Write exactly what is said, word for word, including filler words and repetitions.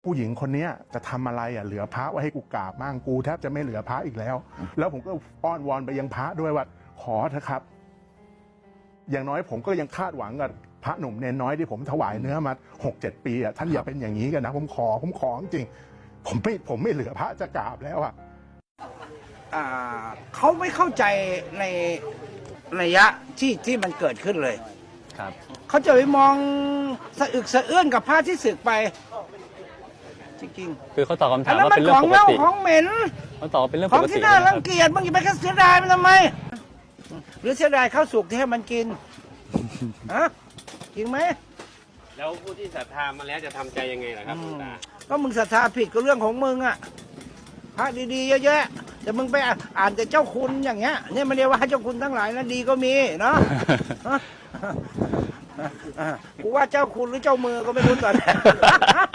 ผู้หญิงคนนี้จะทำอะไรอ่ะเหลือพระไว้ให้กูกราบมั่งกูแทบจะไม่เหลือพระอีกแล้ว แล้วผมก็อ้อนวอนไปยังพระด้วยว่าขอเถอะครับ อย่างน้อยผมก็ยังคาดหวังกับพระหนุ่มเนนน้อยที่ผมถวายเนื้อมาหกเจ็ดปีอ่ะท่านอย่าเป็นอย่างนี้กันนะผมขอผมขอจริงผมไม่ผมไม่เหลือพระจะกราบแล้วอ่ะอ่าเขาไม่เข้าใจในระยะที่ที่มันเกิดขึ้นเลยครับเขาจะไปมองสะอึกสะเอื้อนกับพระที่สึกไป จริงคือเขาตอบคำๆถาอันมนั้นว่ามันเป็นเรื่ขององปกเน่าติของเหม็นเขาตอบว่าเป็นเรื่องขปองกติที่น่านะครัรับงเกียจบางทีไปแค่เสียดายมันทำไม หรือเสียดายข้าวสุกที่ให้มันกินฮะจริงไหมแล้วผู้ที่ศรัทธามาแล้วจะทำใจยังไงล่ะครับหลวงตาก็มึงศรัทธาผิดก็เรื่องของมึงอะพระดีๆเยอะแยะแต่มึงไปอ่านแต่เจ้าคุณอย่างเงี้ยเนี่ยมันเรียกว่าเจ้าคุณทั้งหลายนะดีก็มีเนาะ ฮะอ่ะกูว่าเจ้าคุณหรือเจ้ามือก็ไม่รู้ตอนนี้